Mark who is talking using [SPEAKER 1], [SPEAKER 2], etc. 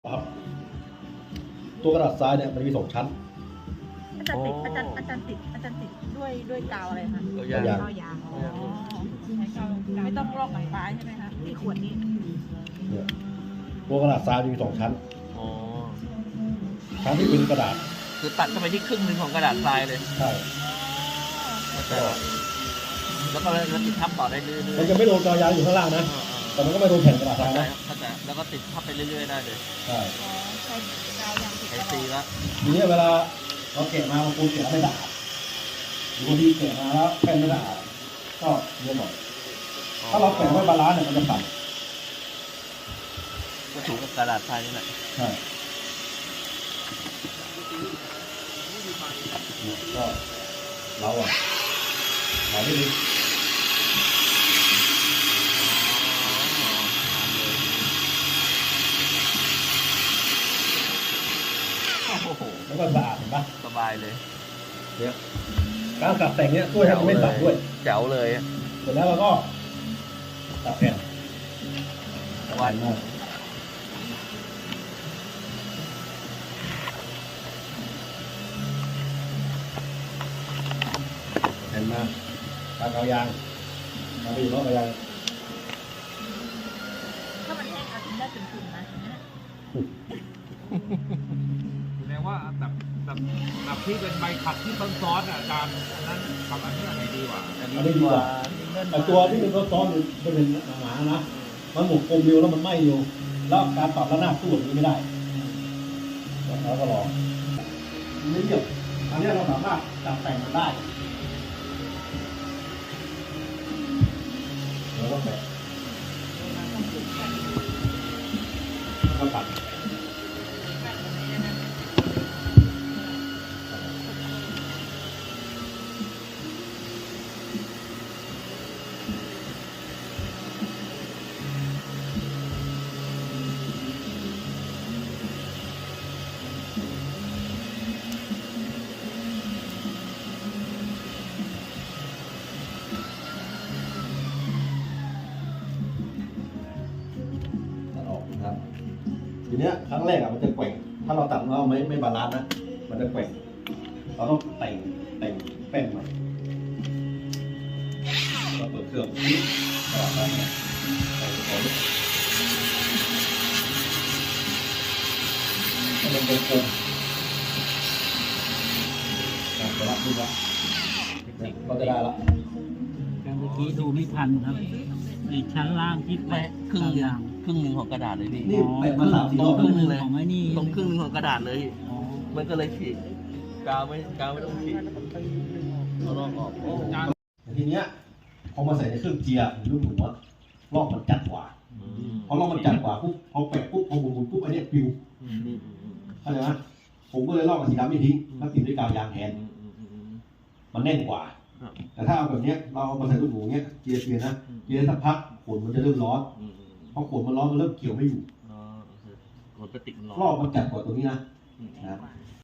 [SPEAKER 1] ครับตัวกระดาษทรายเนี่ยมันมี2 ชั้น
[SPEAKER 2] อาจารย์ติดด้วยกาวอะไรคะ
[SPEAKER 1] กาวยาง
[SPEAKER 2] กาวยางอ๋อใช้กาวไม่ต้องลอกหนังปลาใช่ไหมคะที่ขวดนี้
[SPEAKER 1] เนี่ยตัวกระดาษทรายมี2 ชั้น
[SPEAKER 3] อ๋อ
[SPEAKER 1] ชั้นที่เป็นกระดาษ
[SPEAKER 3] คือตัดเข้าไปที่ครึ่งหนึ่งของกระดาษทรายเลย
[SPEAKER 1] ใช่
[SPEAKER 3] แล้วก็ติดทับต่อได้เรื่อยๆ
[SPEAKER 1] มันจะไม่โดนกาวยางอยู่ข้างล่างนะแต่มันก็ไม่โดนแผ่นกระดาษทรายนะ
[SPEAKER 3] เข้าใจแล้วก็ติดทับไปเรื่อยๆได้เลย
[SPEAKER 1] ใช่
[SPEAKER 2] อ๋อใช้กาวยางติด
[SPEAKER 3] ใช้
[SPEAKER 2] ตล
[SPEAKER 3] ซี
[SPEAKER 2] อด
[SPEAKER 3] ละ
[SPEAKER 1] ทีนี้เวลาเราแกะมาบางคนแกะไม่สะอาดหรือบางทีแกะมาแล้วแผ่นไม่สะอาดก็เยอะหน่อยถ้าเราแกะไว้บาลานซ์เนี่ยมันจะสั่น
[SPEAKER 3] ก็ถูกกับกระดาษทรายนี่แหละ
[SPEAKER 1] ใช่ก็เราไม่ดี
[SPEAKER 3] โอ้โห
[SPEAKER 1] แล้วก็สะอาดเห็นปะ
[SPEAKER 3] สบายเลย
[SPEAKER 1] เนี่ยการสับแต่งเนี้ยช่วยให้มันไม่สั่นด้วย
[SPEAKER 3] แจ๋วเลย
[SPEAKER 1] เสร็จแล้วเราก็ตัดแผ่น
[SPEAKER 3] วัน
[SPEAKER 1] มากแผ่นมาตากาวยางมาไปอยู่รอบกาวยาง
[SPEAKER 2] ถ้ามันแห้งเอาทิ้งได้เป็นถุงนะ
[SPEAKER 4] แสดงว่าแบบที่เป็นใบขัดที่ซ้อนๆอ่ะอาจารย์อันนั้นกับอันนี้อันไหนดีกว่า
[SPEAKER 3] อันนี้ดีกว่า
[SPEAKER 1] แต่ตัวที่มันซ้อนๆมันเป็นหนาๆนะมันหมกกลมเดียวแล้วมันไหม้อยู่แล้วการปรับระนาบตู้แบบนี้ไม่ได้แล้วก็ลองไม่เยี่ยมอันนี้เราสามารถจัดแต่งมันได้แล้วก็แบะแล้วก็ตัดออกนะครับทีเนี้ยครั้งแรกมันจะแกว่งถ้าเราตัดเราไม่บาลานซ์นะมันจะแกว่งเราต้องแต่งแป้นใหม่เราเปิดเครื่องนี้ตลอดไปนะแต่งของให้มันเป็นกลมจะรับดูละก็จะได้ละ
[SPEAKER 5] แต่เมื่อกี้ดูไม่ทันครับในชั้นล่างที่
[SPEAKER 3] ไม่
[SPEAKER 5] แปะ
[SPEAKER 3] ครึ่งหนึ่ง
[SPEAKER 5] ยาง
[SPEAKER 3] ครึ่งหนึ่งของกระดาษเลยพี่
[SPEAKER 1] นี่แปะมา3-4 รอบ
[SPEAKER 3] ครึ่งหนึ่งเลย
[SPEAKER 5] ของไอ้นี่
[SPEAKER 3] ตรงครึ่งหนึ่งของกระดาษเลย
[SPEAKER 5] อ๋อ
[SPEAKER 3] มันก็เลยฉีกกาวไม่ต้องฉีกเอาลอกออกโอ้
[SPEAKER 1] ทีเนี้ยพอมาใส่ในเครื่องเจียร์หรือลูกหนูอะรอบมันจัดกว่าพอรอบมันจัดกว่าปุ๊บพอแปะปุ๊บพอหมุนปุ๊บอันเนี้ยปิวเข้าใจไหมผมก็เลยลอกกับสีดำไม่ทิ้งแล้วติดด้วยกาวยางแทนมันแน่นกว่า แต่ถ้าเอาแบบเนี้ยเราเอามาใส่ลูกหนูเนี้ยเจียร์นะเจียร์สักพักขนมันจะเริ่มร้อนพอขนมันร้อนมันเริ่มเกี่ยวไม่อยู่
[SPEAKER 3] อ๋อมันก็ติดมันร้อน
[SPEAKER 1] รอบมันจัดกว่าตัวนี้นะนะครับ